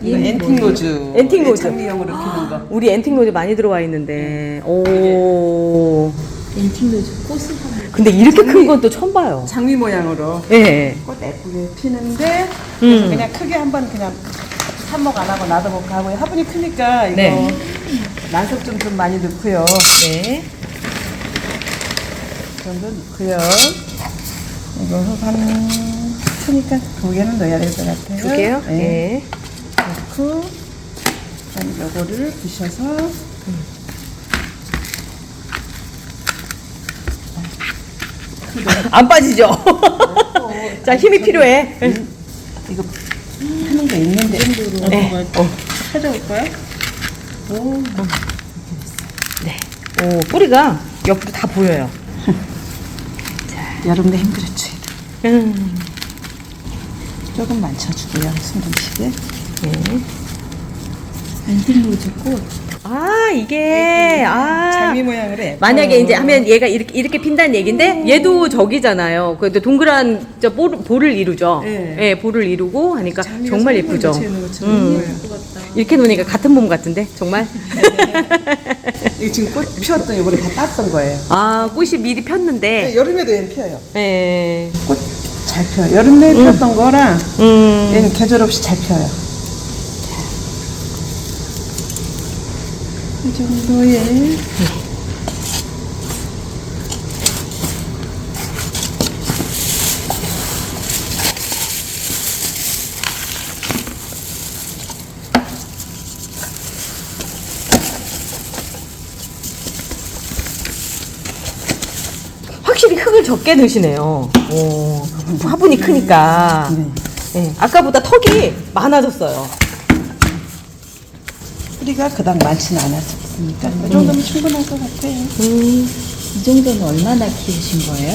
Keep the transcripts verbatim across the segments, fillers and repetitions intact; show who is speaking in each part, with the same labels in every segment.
Speaker 1: 이거 엔틱 노즈.
Speaker 2: 엔틱 노즈.
Speaker 1: 장미형으로 피는 거.
Speaker 2: 우리 엔틱 노즈 많이 들어와 있는데. 오.
Speaker 3: 엔틱 노즈 꽃을 한번.
Speaker 2: 근데 이렇게
Speaker 1: 장미.
Speaker 2: 큰 건 또 처음 봐요.
Speaker 1: 장미 모양으로
Speaker 2: 예.
Speaker 1: 꽃 예쁘게 피는데
Speaker 2: 음.
Speaker 1: 그냥 크게 한번 그냥 삽목 안 하고 놔둬볼까 하고요. 화분이 크니까 이거
Speaker 2: 네.
Speaker 1: 난석 좀, 좀 많이 넣고요.
Speaker 2: 네.
Speaker 1: 이 정도 넣고요. 이거 한 크니까 두 개는 넣어야 될 것 같아요.
Speaker 2: 두 개요?
Speaker 1: 네.
Speaker 2: 네.
Speaker 1: 넣고 그다음에 요거를 부셔서
Speaker 2: 안 빠지죠? 자, 힘이 필요해.
Speaker 1: 음, 이거 하는 게 있는데
Speaker 2: 네. 어.
Speaker 1: 찾아올까요? 오,
Speaker 2: 네. 오, 뿌리가 옆으로 다 보여요.
Speaker 1: 여름에 힘들었지.
Speaker 2: 음.
Speaker 1: 조금 만져주고요. 숨김치게.
Speaker 2: 네.
Speaker 3: 엔틱 노즈 꽃.
Speaker 2: 아, 이게, 아.
Speaker 1: 장미 모양으로 예뻐요.
Speaker 2: 만약에 이제 하면 얘가 이렇게, 이렇게 핀다는 얘긴데, 얘도 저기잖아요. 그래도 동그란 저 볼, 볼을 이루죠.
Speaker 1: 네.
Speaker 2: 예, 볼을 이루고 하니까
Speaker 1: 장미가
Speaker 2: 정말
Speaker 1: 선물
Speaker 2: 예쁘죠.
Speaker 1: 붙여 있는 것처럼
Speaker 2: 음.
Speaker 1: 예뻐요.
Speaker 3: 예쁘겠다.
Speaker 2: 이렇게 놓으니까 같은 몸 같은데, 정말.
Speaker 1: 이거 지금 꽃 피웠던 이번에 다 땄던 거예요.
Speaker 2: 아, 꽃이 미리 폈는데,
Speaker 1: 네, 여름에도 얘는 피어요.
Speaker 2: 예.
Speaker 1: 꽃 잘 피어요. 여름에 피웠던 거랑
Speaker 2: 음.
Speaker 1: 얘는 계절 없이 잘 피어요. 이 정도에
Speaker 2: 확실히 흙을 적게 넣으시네요. 오, 화분이 크니까.
Speaker 1: 네.
Speaker 2: 예, 아까보다 턱이 많아졌어요.
Speaker 1: 뿌리가 그닥 많지는 않았으니까 이 정도면 충분할 것 같아요.
Speaker 2: 음.
Speaker 3: 이 정도는 얼마나 키우신 거예요?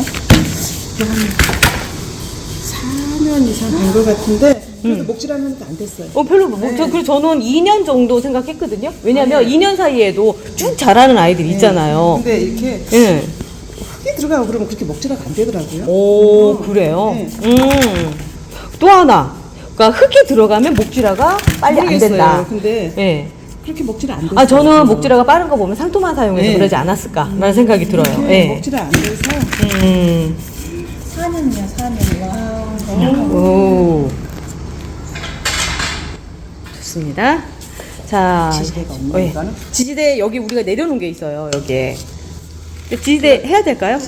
Speaker 1: 사 년 이상 된 것 같은데 그래도 목질하면 안 됐어요.
Speaker 2: 어, 별로, 뭐, 저, 그, 저는 이 년 정도 생각했거든요. 왜냐면 이 년 사이에도 쭉 자라는 아이들이 있잖아요.
Speaker 1: 근데 이렇게
Speaker 2: 예.
Speaker 1: 흙이 들어가고 그러면 그렇게 먹지가 안 되더라고요.
Speaker 2: 오, 그래요?
Speaker 1: 네.
Speaker 2: 음. 또 하나. 그러니까 흙이 들어가면 목질화가 빨리 안
Speaker 1: 모르겠어요.
Speaker 2: 된다.
Speaker 1: 근데
Speaker 2: 예.
Speaker 1: 그렇게 먹지를 안 돼요.
Speaker 2: 아, 저는 목질화가 빠른 거 보면 상토만 사용해서
Speaker 1: 네.
Speaker 2: 그러지 않았을까라는 생각이 들어요.
Speaker 1: 이렇게
Speaker 2: 예.
Speaker 1: 먹지를 안 돼서
Speaker 2: 음.
Speaker 3: 사 년이야, 사 년. 와.
Speaker 2: 오. 좋습니다. 자.
Speaker 1: 지지대가 없네,
Speaker 2: 어, 예.
Speaker 1: 이거는.
Speaker 2: 지지대 여기 우리가 내려놓은 게 있어요, 여기에. 근데 지지대 해야 될까요?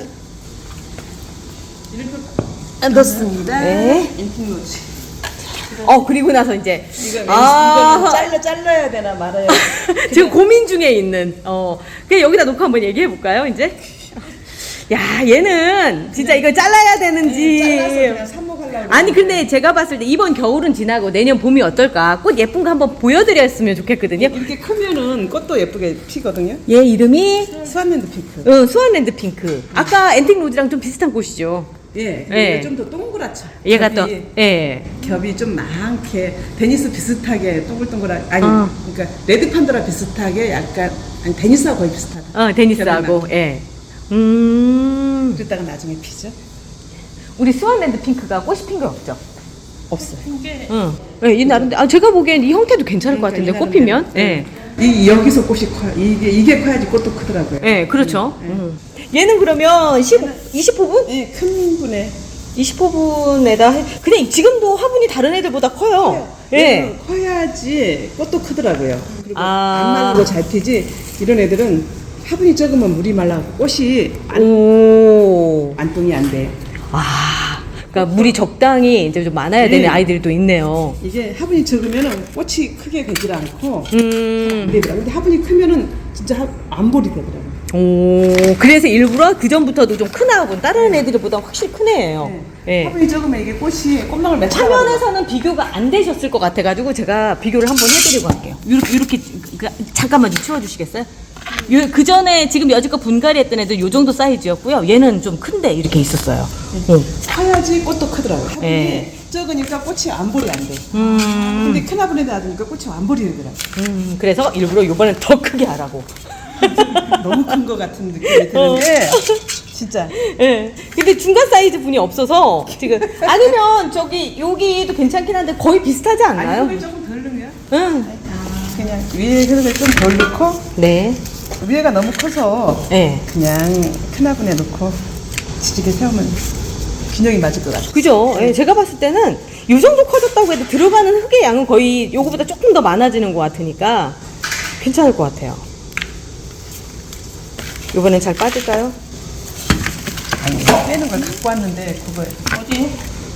Speaker 1: 넣습니다.
Speaker 2: 네.
Speaker 1: 엔틱노즈.
Speaker 2: 어, 그리고 나서 이제.
Speaker 1: 이거
Speaker 2: 아.
Speaker 1: 이거는 잘라 잘라야 되나 말아야 되나.
Speaker 2: 지금 고민 중에 있는, 어. 그냥 여기다 놓고 한번 얘기해 볼까요, 이제? 야, 얘는 진짜 이거 잘라야 되는지.
Speaker 1: 잘라서 그냥 삽목하려고.
Speaker 2: 아니, 근데 제가 봤을 때 이번 겨울은 지나고 내년 봄이 어떨까? 꽃 예쁜 거 한번 보여드렸으면 좋겠거든요.
Speaker 1: 이렇게 크면은 꽃도 예쁘게 피거든요.
Speaker 2: 얘 이름이
Speaker 1: 스완랜드 핑크.
Speaker 2: 어, 수완랜드 핑크. 아까 엔틱 로즈랑 좀 비슷한 꽃이죠.
Speaker 1: 예,
Speaker 2: 예.
Speaker 1: 좀 더 동그랗죠.
Speaker 2: 얘가
Speaker 1: 겹이,
Speaker 2: 또, 예.
Speaker 1: 겹이 좀 많게 데니스 비슷하게 동글동글한 아니
Speaker 2: 어.
Speaker 1: 그러니까 레드 판도라 비슷하게 약간 아니 데니스하고 거의 비슷하다.
Speaker 2: 어, 데니스하고,
Speaker 1: 겹이
Speaker 2: 예. 음.
Speaker 1: 그랬다가 나중에 피죠.
Speaker 2: 우리 수완랜드 핑크가 꽃이 핀 거 없죠?
Speaker 1: 없어요.
Speaker 2: 응. 예, 이 나름대 아, 제가 보기엔 이 형태도 괜찮을 것 같은데,
Speaker 1: 그러니까
Speaker 2: 꽃
Speaker 1: 이
Speaker 2: 피면?
Speaker 1: 나름대로.
Speaker 2: 예.
Speaker 1: 이 여기서 꽃이 커요. 이게 이게 커야지 꽃도 크더라고요.
Speaker 2: 예, 그렇죠. 음. 얘는 그러면 십, 이십 호분?
Speaker 1: 예, 큰 분에
Speaker 2: 이십 호분에다 해, 그냥 지금도 화분이 다른 애들보다 커요. 예.
Speaker 1: 얘는 커야지 꽃도 크더라고요. 그리고
Speaker 2: 아.
Speaker 1: 안 말고 잘 피지 이런 애들은 화분이 적으면 물이 말라고 꽃이 안,
Speaker 2: 오.
Speaker 1: 안동이 안 돼.
Speaker 2: 아. 그러니까 물이 적당히 이제 좀 많아야 되는
Speaker 1: 네.
Speaker 2: 아이들이 또 있네요.
Speaker 1: 이게 화분이 적으면은 꽃이 크게 되질 않고
Speaker 2: 음.
Speaker 1: 되더라고요. 근데 화분이 크면은 진짜 하- 안 볼이 되더라고요.
Speaker 2: 오. 그래서 일부러 그 전부터도 좀 큰 화분, 다른 애들보다 확실히 큰 애예요. 예.
Speaker 1: 화분이 적으면 이게 꽃이 꽃망울 맺혀.
Speaker 2: 화면에서는 비교가 안 되셨을 것 같아가지고 제가 비교를 한번 해드리고 할게요. 이렇게, 이렇게 그, 잠깐만 좀 치워주시겠어요? 그 전에 지금 여지껏 분갈이 했던 애들 요 정도 사이즈였고요. 얘는 좀 큰데 이렇게 있었어요. 응.
Speaker 1: 커야지 꽃도 크더라고요. 화분이
Speaker 2: 예.
Speaker 1: 적으니까 꽃이 안 볼이 안 돼.
Speaker 2: 음,
Speaker 1: 근데 큰 화분에 놔두니까 꽃이 안 볼이 되더라고요.
Speaker 2: 음, 그래서 일부러 요번엔 더 크게 하라고.
Speaker 1: 너무 큰 것 같은 느낌이 드는데 진짜.
Speaker 2: 예. 근데 중간 사이즈 분이 없어서 지금 아니면 저기 여기도 괜찮긴 한데 거의 비슷하지 않나요?
Speaker 1: 아니, 흙을 조금 덜 넣으면
Speaker 2: 응.
Speaker 1: 그냥 위에 흙을 좀 덜 넣고
Speaker 2: 네.
Speaker 1: 위에가 너무 커서
Speaker 2: 네.
Speaker 1: 그냥 큰 화분에 넣고 지지게 세우면 균형이 맞을 것 같아요.
Speaker 2: 그죠? 예, 제가 봤을 때는 이 정도 커졌다고 해도 들어가는 흙의 양은 거의 요거보다 조금 더 많아지는 것 같으니까 괜찮을 것 같아요. 이번엔 잘 빠질까요?
Speaker 1: 아니, 빼는 걸 갖고 왔는데 그거
Speaker 2: 어디?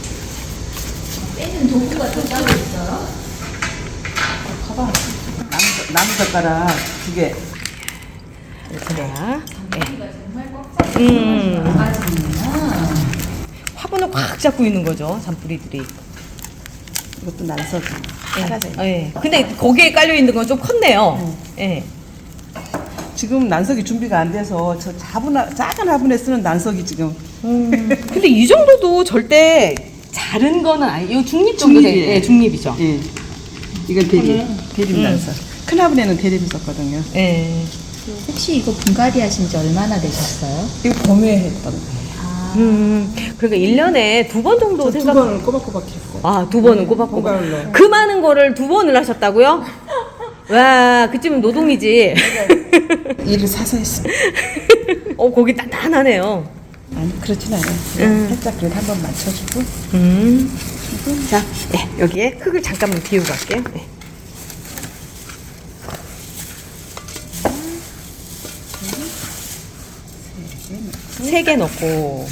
Speaker 3: 빼는 도구가 더 따로 있어요?
Speaker 1: 가방 나무, 나무 젓가락 두 개.
Speaker 2: 그래야. 네.
Speaker 3: 정말 꽉 차서
Speaker 2: 음.
Speaker 3: 빠지는구나.
Speaker 2: 화분을 꽉 잡고 있는 거죠, 잔뿌리들이.
Speaker 1: 이것도 난석이 사라져.
Speaker 2: 예. 예. 근데 거기에 깔려 있는 건 좀 컸네요. 예.
Speaker 1: 지금 난석이 준비가 안 돼서 저 작은, 화- 작은 화분에 쓰는 난석이 지금
Speaker 2: 음. 근데 이 정도도 절대 자른 거는 아니에요. 이 중립 정도 돼.
Speaker 1: 중립이에요.
Speaker 2: 예, 중립이죠.
Speaker 1: 예. 이건 대립,
Speaker 2: 음.
Speaker 1: 대립
Speaker 2: 음.
Speaker 1: 난석. 큰 화분에는 대립이 썼거든요.
Speaker 2: 예.
Speaker 3: 혹시 이거 분갈이 하신 지 얼마나 되셨어요?
Speaker 1: 이거 봄에 했던 거예요.
Speaker 2: 음. 그러니까 일 년에 두 번 정도
Speaker 1: 두
Speaker 2: 생각.
Speaker 1: 번은 꼬박꼬박 했어요.
Speaker 2: 아, 두 번은 꼬박꼬박.
Speaker 1: 봄가을로.
Speaker 2: 그 많은 거를 두 번을 하셨다고요? 와, 그쯤은 노동이지.
Speaker 1: 일을 사서 했어요.
Speaker 2: 어, 거기 단단하네요.
Speaker 1: 아니 그렇진 않아요.
Speaker 2: 음.
Speaker 1: 살짝 그래도 한번 맞춰주고.
Speaker 2: 음. 자, 예, 여기에 흙을 잠깐만 비우고 갈게요. 예. 세 개 넣고.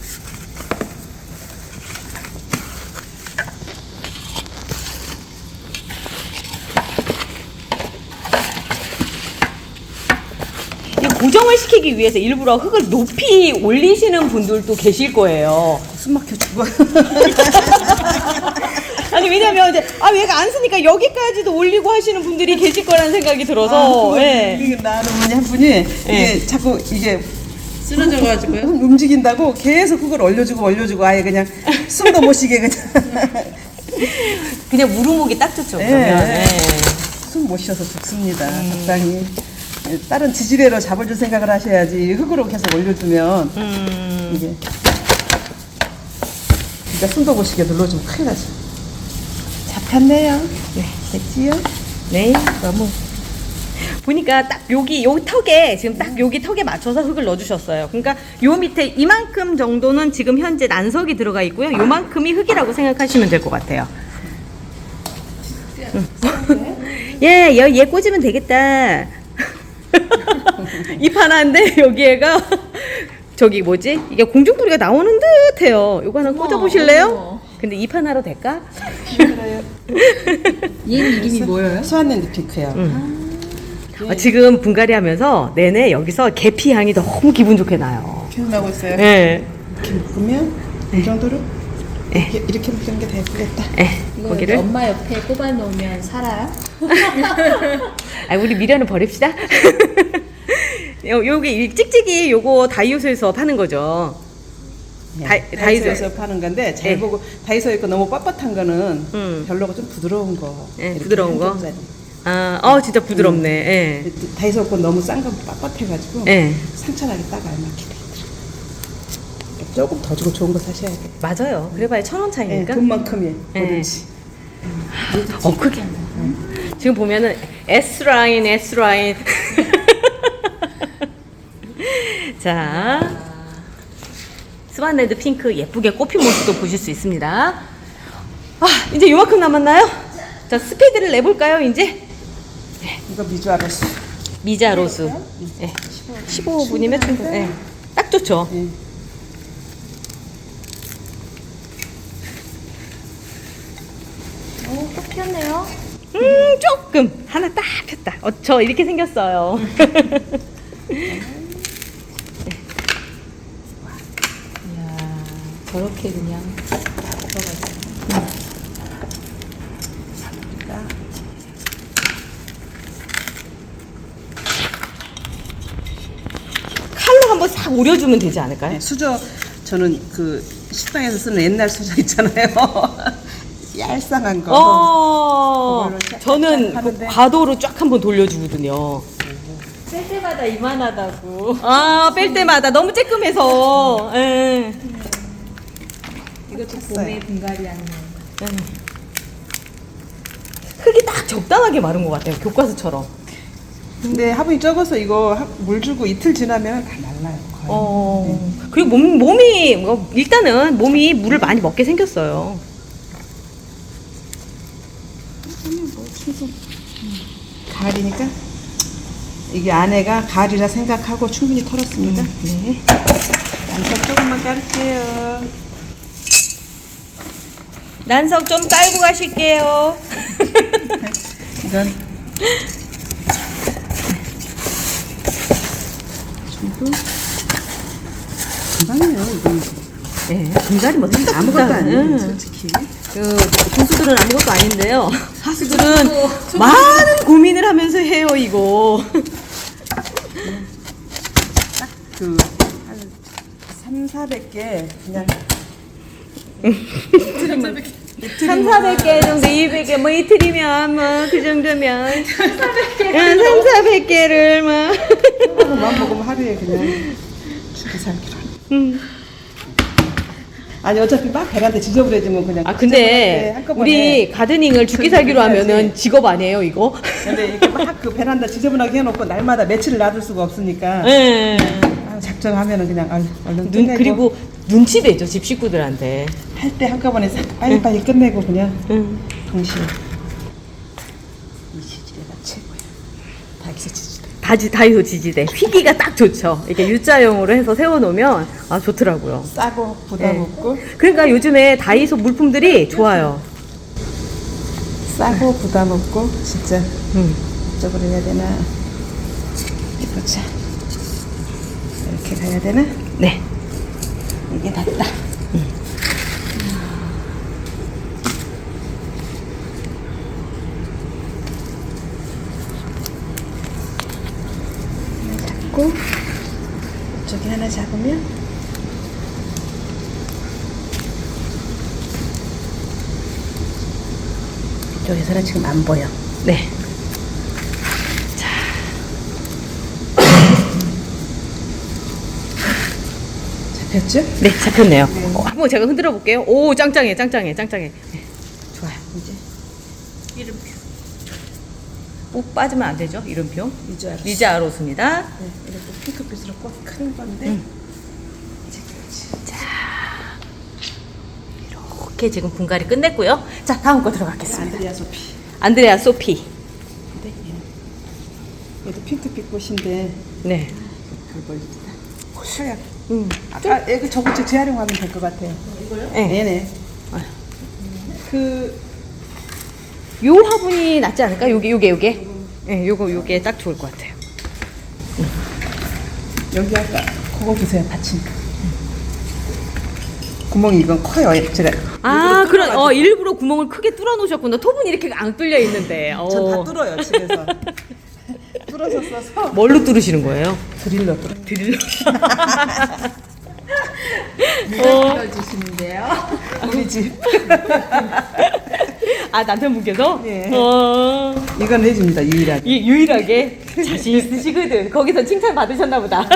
Speaker 2: 이 고정을 시키기 위해서 일부러 흙을 높이 올리시는 분들도 계실 거예요.
Speaker 1: 숨 막혀 죽어.
Speaker 2: 아니 왜냐면 이제 아 얘가 안 쓰니까 여기까지도 올리고 하시는 분들이 계실 거라는 생각이 들어서.
Speaker 1: 아,
Speaker 2: 예.
Speaker 1: 이게 나는 어머니 한 분이 이게 자꾸 이게
Speaker 2: 쓰러져가지고요.
Speaker 1: 흙 움직인다고 계속 그걸 올려주고 올려주고 아예 그냥 숨도 못 쉬게 그냥
Speaker 2: 그냥 무릎목이 딱 좋죠.
Speaker 1: 예.
Speaker 2: 그러면. 예.
Speaker 1: 숨 못 쉬어서 죽습니다. 적당히 다른 지지대로 잡아줄 생각을 하셔야지 흙으로 계속 올려주면
Speaker 2: 음.
Speaker 1: 이게 그러니까 숨도 못 쉬게 눌러주면 큰일 나죠. 잡혔네요.
Speaker 2: 네.
Speaker 1: 됐지요?
Speaker 2: 네. 너무 보니까 딱 여기 요 턱에 지금 딱 여기 턱에 맞춰서 흙을 넣어주셨어요. 그러니까 요 밑에 이만큼 정도는 지금 현재 난석이 들어가 있고요. 요만큼이 흙이라고 생각하시면 될 것 같아요. 응. 예, 얘, 얘 꽂으면 되겠다. 잎 하나인데 여기에가 저기 뭐지? 이게 공중부리가 나오는 듯해요. 요거 하나 꽂아보실래요? 근데 잎 하나로 될까?
Speaker 3: 얘 이름이 뭐예요?
Speaker 1: 수완랜드 핑크요.
Speaker 2: 아, 지금 분갈이 하면서 내내 여기서 계피 향이 너무 기분 좋게 나요.
Speaker 1: 계속 나오고 있어요.
Speaker 2: 예.
Speaker 1: 이렇게 묶으면 이 정도로
Speaker 2: 네.
Speaker 1: 이렇게, 이렇게 묶는 게 되겠다.
Speaker 2: 예.
Speaker 3: 이거
Speaker 2: 거기를.
Speaker 3: 엄마 옆에 꼽아 놓으면 살아요?
Speaker 2: 아, 우리 미련은 버립시다. 요, 요게 이 찍찍이 요거 다이소에서 파는 거죠. 다이-
Speaker 1: 네, 다이소에서
Speaker 2: 다이소.
Speaker 1: 파는 건데 잘
Speaker 2: 네.
Speaker 1: 보고 다이소에 거 너무 빳빳한 거는
Speaker 2: 음.
Speaker 1: 별로고 좀 부드러운 거.
Speaker 2: 네,
Speaker 1: 이렇게
Speaker 2: 부드러운 거?
Speaker 1: 한 점짜리.
Speaker 2: 아, 어, 진짜 부드럽네. 예.
Speaker 1: 다이소 거 너무 싼 거 빳빳해가지고
Speaker 2: 예.
Speaker 1: 상처나게 딱 알맞게 돼 있더라고요. 조금 더 주고 좋은 거 사셔야 돼.
Speaker 2: 맞아요. 그래봐야 천 원
Speaker 1: 네,
Speaker 2: 차이니까.
Speaker 1: 돈만큼이
Speaker 2: 네.
Speaker 1: 뭐든지.
Speaker 2: 어, 그게. 지금 보면은 S라인, S라인. 자. 스완레드 핑크 예쁘게 꽃핀 모습도 보실 수 있습니다. 아, 이제 요만큼 남았나요? 자, 스피드를 내볼까요, 이제?
Speaker 1: 이거 미주아로스.
Speaker 2: 미자로수. 예. 십오 분이면 충분. 예. 딱 좋죠.
Speaker 1: 예.
Speaker 3: 오, 또 피었네요.
Speaker 2: 음, 조금. 하나 딱 폈다. 어, 저 이렇게 생겼어요.
Speaker 3: 이야, 저렇게 그냥
Speaker 2: 칼로 한번 싹 오려주면 되지 않을까요?
Speaker 1: 네, 수저 저는 그 식당에서 쓰는 옛날 수저 있잖아요. 얄쌍한 거.
Speaker 2: 어,
Speaker 1: 그걸로 쫙
Speaker 2: 저는
Speaker 1: 쫙
Speaker 2: 그
Speaker 1: 하는데.
Speaker 2: 과도로 쫙 한번 돌려주거든요.
Speaker 3: 쓸 때마다 때마다 이만하다고.
Speaker 2: 아, 뺄 때마다 너무 쬐끔해서. 예.
Speaker 3: 이것도 봄에 분갈이 하는 거.
Speaker 2: 흙이 딱 적당하게 마른 것 같아요. 교과서처럼.
Speaker 1: 근데 화분이 적어서 이거 하- 물 주고 이틀 지나면 다 말라요. 거의.
Speaker 2: 어. 그리고 몸, 몸이, 뭐, 일단은 몸이 물을 많이 먹게 생겼어요.
Speaker 1: 뭐 충분. 가을이니까 이게 안에가 가을이라 생각하고 충분히 털었습니다.
Speaker 2: 네.
Speaker 1: 양석 조금만 깔게요.
Speaker 2: 난석 좀 깔고 가실게요.
Speaker 1: 이건 전부 금방이에요. 이건
Speaker 2: 네. 분갈이 뭐 생각보다
Speaker 1: 아무것도 아니에요.
Speaker 2: 응.
Speaker 1: 솔직히.
Speaker 2: 그 고수들은 아무것도 아닌데요. 하수들은 많은 고민을 하면서 해요 이거.
Speaker 1: 그 한 삼사백 개 그냥
Speaker 2: 삼사백 개 정도, 이백 개, 뭐 이틀이면 뭐 그 정도면 삼사백 개를 뭐.
Speaker 1: 하루만 먹으면 하루에 그냥 죽기 살기로.
Speaker 2: 음.
Speaker 1: 아니 어차피 막 베란다 지저분해지면 그냥
Speaker 2: 아 근데
Speaker 1: 한꺼번에
Speaker 2: 우리 가드닝을 죽기 살기로 하면은 직업 아니에요 이거?
Speaker 1: 근데 이렇게 막 그 베란다 지저분하게 해놓고 날마다 며칠을 놔둘 수가 없으니까
Speaker 2: 예.
Speaker 1: 아, 작정하면은 그냥 얼- 얼른
Speaker 2: 눈
Speaker 1: 끝내고
Speaker 2: 그리고 눈치 배죠 집 식구들한테.
Speaker 1: 할 때 한꺼번에 싹 빨리빨리 끝내고 그냥
Speaker 2: 응.
Speaker 1: 동시에 이 시지대가 최고야. 다기세 지지대.
Speaker 2: 다지 다이소 지지대 휘기가 딱 좋죠. 이렇게 U자형으로 해서 세워놓으면 아 좋더라고요.
Speaker 1: 싸고 부담
Speaker 2: 네.
Speaker 1: 없고
Speaker 2: 그러니까 요즘에 다이소 물품들이 좋아요.
Speaker 1: 싸고 부담 없고 진짜
Speaker 2: 음.
Speaker 1: 이쪽으로 해야 되나 보자. 이렇게 가야 되나?
Speaker 2: 네.
Speaker 1: 이게 낫다. 하나 잡고 이쪽에 하나 잡으면 이쪽에서는 지금 안 보여.
Speaker 2: 네.
Speaker 1: 잡혔죠?
Speaker 2: 네, 잡혔네요. 어, 한번 제가 흔들어 볼게요. 오, 짱짱해, 짱짱해, 짱짱해. 네, 좋아요.
Speaker 1: 이제
Speaker 2: 이름표. 꼭 빠지면 안 되죠, 이름표.
Speaker 1: 이제 알았어.
Speaker 2: 리자 아로스입니다.
Speaker 1: 네, 이렇게 핑크빛으로 꼭 큰 건데
Speaker 2: 음.
Speaker 1: 이제 그렇지.
Speaker 2: 이렇게 지금 분갈이 끝냈고요. 자, 다음 거 들어가겠습니다.
Speaker 1: 안드레아 소피.
Speaker 2: 안드레아 소피.
Speaker 1: 근데 얘는 얘도 핑크빛 꽃인데
Speaker 2: 네.
Speaker 1: 그걸 하얗.
Speaker 2: 음.
Speaker 1: 아까 애그 저거 재활용하면 될 것 같아요.
Speaker 2: 네.
Speaker 1: 네네.
Speaker 2: 아.
Speaker 1: 그
Speaker 2: 요 화분이 낫지 않을까? 요게, 요게, 요게. 네, 요거, 요게 딱 좋을 것 같아요.
Speaker 1: 여기 아까 그거 보세요 받침. 구멍이 이건 커요. 제가
Speaker 2: 아, 그런, 어, 일부러 구멍을 크게 뚫어 놓으셨구나. 톱은 이렇게 안 뚫려 있는데. 어.
Speaker 1: 전다 뚫어요 집에서. 뚫어서 써서
Speaker 2: 뭘로 뚫으시는 거예요?
Speaker 1: 드릴러 뚫어.
Speaker 2: 드릴로.
Speaker 3: 누가 들어주시는데요?
Speaker 1: 우리 집
Speaker 2: 아, 남편분께서?
Speaker 1: 네.
Speaker 2: 어.
Speaker 1: 이건 해줍니다 유일하게.
Speaker 2: 이, 유일하게 자신 있으시거든. 거기서 칭찬 받으셨나 보다.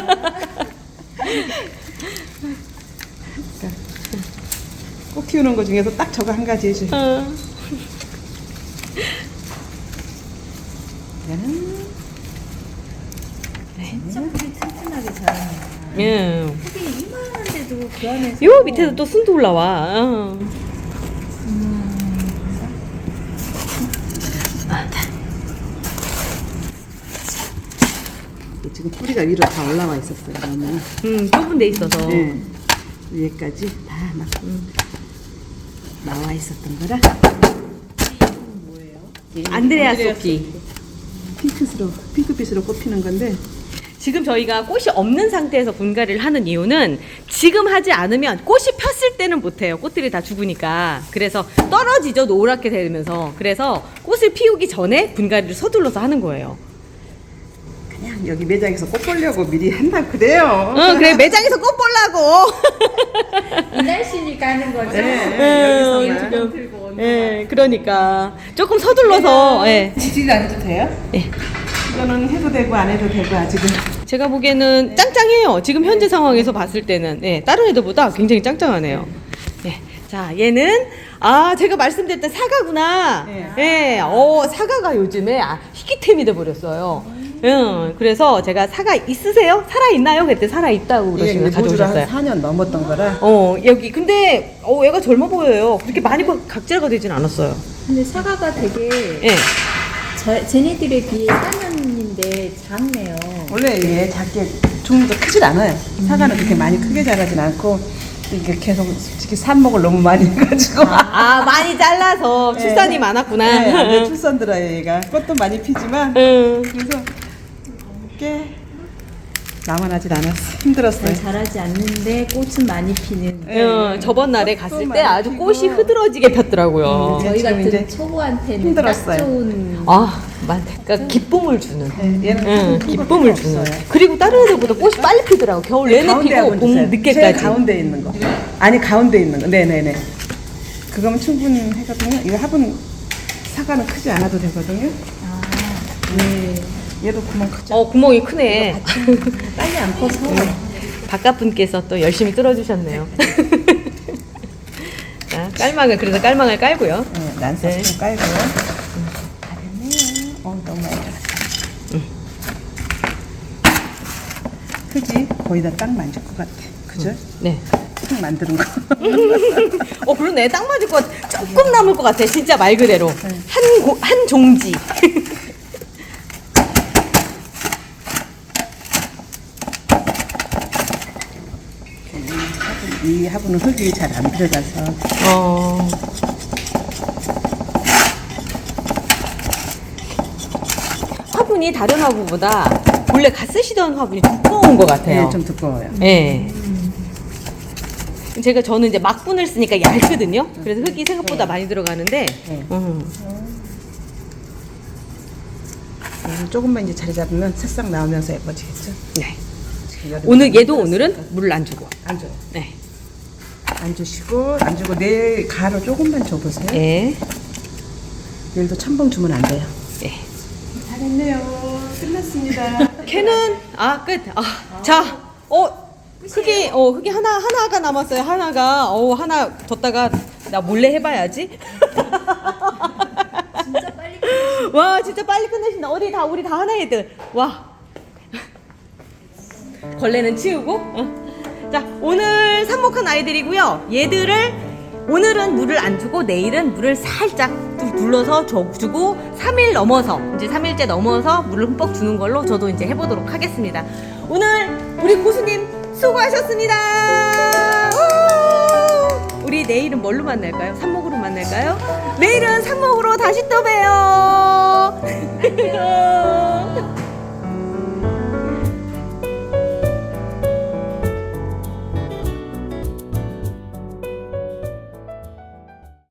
Speaker 1: 꽃 키우는 거 중에서 딱 저거 한 가지 해줘요.
Speaker 2: 어.
Speaker 1: 얘는
Speaker 3: 진짜 뿌리 튼튼하게 자라네요.
Speaker 2: 예.
Speaker 3: 크게 이만한데도 그 안에서
Speaker 2: 요 밑에도 또 순도 올라와. 어.
Speaker 1: 지금 뿌리가 위로 다 올라와 있었어요. 너무.
Speaker 2: 음, 좁은 데 있어서.
Speaker 1: 네. 위에까지 다 막 나와 있었던 거라.
Speaker 2: 안드레아 소피.
Speaker 1: 핑크스로 핑크빛으로 꽃피는 건데
Speaker 2: 지금 저희가 꽃이 없는 상태에서 분갈이를 하는 이유는 지금 하지 않으면 꽃이 폈을 때는 못해요. 꽃들이 다 죽으니까. 그래서 떨어지죠. 노랗게 되면서. 그래서 꽃을 피우기 전에 분갈이를 서둘러서 하는 거예요.
Speaker 1: 그냥 여기 매장에서 꽃 보려고 미리 한다 그래요.
Speaker 2: 어, 그래. 매장에서 꽃 보려고.
Speaker 3: 이 날씨니까 하는 거죠.
Speaker 1: 네,
Speaker 2: 음,
Speaker 1: 여기서만.
Speaker 3: 조금 들고 오는
Speaker 2: 예, 그러니까. 조금 서둘러서, 예.
Speaker 1: 지지를 안 해도 돼요?
Speaker 2: 예.
Speaker 1: 이거는 해도 되고 안 해도 되고 아직은.
Speaker 2: 제가 보기에는 짱짱해요. 지금 현재 상황에서 봤을 때는. 네, 다른 애들보다 굉장히 짱짱하네요. 네. 자, 얘는, 아, 제가 말씀드렸던 사과구나.
Speaker 1: 네.
Speaker 2: 예, 어, 사과가 요즘에 아, 희귀템이 돼버렸어요. 응, 그래서 제가 사과 있으세요? 살아있나요? 그때 살아있다고 그러시면
Speaker 1: 이게 모주를 한
Speaker 2: 가져오셨어요.
Speaker 1: 사 년 넘었던 거라.
Speaker 2: 어, 여기, 근데, 어, 얘가 젊어 보여요. 그렇게 많이 각질가 되진 않았어요.
Speaker 3: 근데 사과가 되게
Speaker 2: 예.
Speaker 3: 저, 쟤네들에 비해 사년인데 작네요.
Speaker 1: 원래 얘 작게 종류도 크질 않아요. 사과는 그렇게 많이 크게 자라진 않고 이게 계속 솔직히 삽목을 너무 많이 해가지고.
Speaker 2: 아, 많이 잘라서 출산이
Speaker 1: 네.
Speaker 2: 많았구나.
Speaker 1: 네, 안 돼, 출산 들어요 얘가. 꽃도 많이 피지만
Speaker 2: 응.
Speaker 1: 그래서 꽤 남아나질 않았어. 힘들었어요.
Speaker 3: 잘 자라지 않는데 꽃은 많이 피는.
Speaker 1: 네.
Speaker 2: 응, 저번 날에
Speaker 1: 꽃도
Speaker 2: 갔을 때
Speaker 1: 많이
Speaker 2: 아주
Speaker 1: 피고.
Speaker 2: 꽃이 흐드러지게 폈더라고요.
Speaker 1: 음,
Speaker 3: 저희
Speaker 1: 지금
Speaker 3: 같은
Speaker 1: 이제
Speaker 3: 초보한테는
Speaker 1: 힘들었어요.
Speaker 3: 딱 좋은.
Speaker 2: 아, 맞. 그러니까 기쁨을 주는.
Speaker 1: 네, 얘는
Speaker 2: 응,
Speaker 1: 큰
Speaker 2: 기쁨을
Speaker 1: 것도
Speaker 2: 주는.
Speaker 1: 없어요.
Speaker 2: 그리고 다른 애들보다 꽃이 빨리 피더라고. 겨울 내내
Speaker 1: 가운데
Speaker 2: 피고
Speaker 1: 한번
Speaker 2: 봄
Speaker 1: 주세요.
Speaker 2: 늦게까지.
Speaker 1: 제일 가운데 있는 거. 아니 가운데 있는 거. 네네네. 그거면 충분히 하거든요. 이거 화분 사과는 크지 않아도 되거든요.
Speaker 3: 아, 네.
Speaker 1: 얘도 구멍 크죠.
Speaker 2: 어, 구멍이 크네.
Speaker 3: 빨리 안 커서.
Speaker 2: 바깥 분께서 또 열심히 뚫어주셨네요. 자, 깔망을, 그래서 깔망을 깔고요.
Speaker 1: 네, 난사
Speaker 2: 네.
Speaker 1: 좀 깔고요. 잘했네요. 어, 너무 많이 들었다. 흙이 거의 다 딱 만질 것 같아. 그죠?
Speaker 2: 네.
Speaker 1: 흙 만드는 거.
Speaker 2: 어, 그러네. 딱 맞을 것 같아. 조금 남을 것 같아. 진짜 말 그대로.
Speaker 1: 네.
Speaker 2: 한, 고, 한 종지.
Speaker 1: 이 화분은 흙이 잘 안 들어가서.
Speaker 2: 어. 화분이 다른 화분보다 원래 갓 쓰시던 화분이 두꺼운 것 같아요.
Speaker 1: 네, 좀 두꺼워요.
Speaker 2: 예. 제가 저는 이제 막분을 쓰니까 얇거든요. 그래서 흙이 생각보다 많이 들어가는데.
Speaker 1: 네.
Speaker 2: 음.
Speaker 1: 얘는 조금만 이제 자리 잡으면 새싹 나오면서 예뻐지겠죠?
Speaker 2: 네.
Speaker 1: 지금 여름에
Speaker 2: 오늘 얘도 오늘은 물을 안 주고.
Speaker 1: 안 줘요.
Speaker 2: 네.
Speaker 1: 안 주시고 안 주고 내일 가루 조금만 줘보세요.
Speaker 2: 네.
Speaker 1: 내일도 첨벙 주면 안 돼요.
Speaker 2: 네.
Speaker 1: 잘했네요. 끝났습니다.
Speaker 2: 걔는 아 끝. 아, 자, 어 흙이 어 흙이 하나 하나가 남았어요. 하나가 어 하나 뒀다가 나 몰래 해봐야지.
Speaker 3: 진짜 빨리.
Speaker 2: 와 진짜 빨리 끝내신다. 어디 다 우리 다 하나 애들. 와. 걸레는 치우고. 어. 자 오늘 삽목한 아이들이고요. 얘들을 오늘은 물을 안 주고 내일은 물을 살짝 둘러서 줘- 주고 삼 일 넘어서 이제 삼 일째 넘어서 물을 흠뻑 주는 걸로 저도 이제 해보도록 하겠습니다. 오늘 우리 고수님 수고하셨습니다. 우! 우리 내일은 뭘로 만날까요? 삽목으로 만날까요? 내일은 삽목으로 다시 또 봬요. 안녕.